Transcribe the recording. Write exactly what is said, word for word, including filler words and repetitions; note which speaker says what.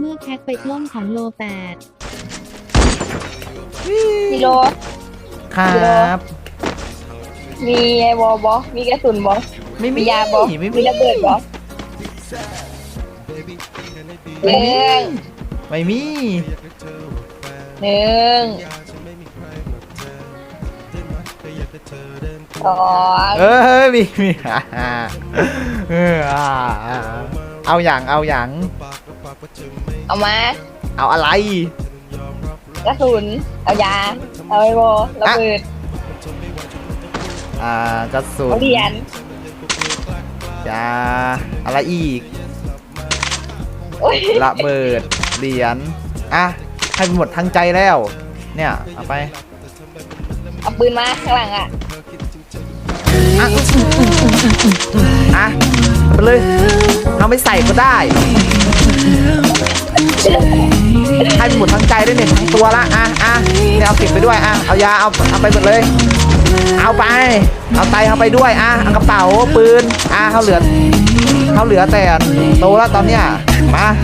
Speaker 1: มื่อแพ็คไปกล้องของโลแปด
Speaker 2: กิโล
Speaker 3: ครับ
Speaker 2: มีไอ้วอลบอมีกระสุนบอ
Speaker 3: ไม่มี
Speaker 2: มียาบอ
Speaker 3: ไม่
Speaker 2: มีระเบิดบอหนึ่ง
Speaker 3: ไม่มี
Speaker 2: หนึ่งสอง
Speaker 3: เออมีมีเอออ่าเอาอย่างเอาอย่าง
Speaker 2: เอามา
Speaker 3: เอาอะไร
Speaker 2: กระสุนเอายาเอาไอ้วอลระเบิด
Speaker 3: อ่ากระสุน
Speaker 2: เอาเหรียญ
Speaker 3: ยาอะไรอีก
Speaker 2: โอ้ย
Speaker 3: ระเบิดเหรียญอ่ะให้หมดทั้งใจแล้ว เนี่ยเอาไป
Speaker 2: เอาปืนมาข้างหลังอ่ะ
Speaker 3: อ่ะอ่ะเอาไปเลยเอาไม่ใส่ก็ได้ให้หมดทั้งใจด้วยเนี่ยทั้งตัวละอ่ะอ่ะเนี่ยเอาเก็บไปด้วยอ่ะเอายาเอาเอาไปหมดเลย เอาไปเอาไตเอาไปด้วยอ่ะเอากระเป๋าปืนอ่ะเขาเหลือเขาเหลือแต่โตแล้วตอนเนี้ยมา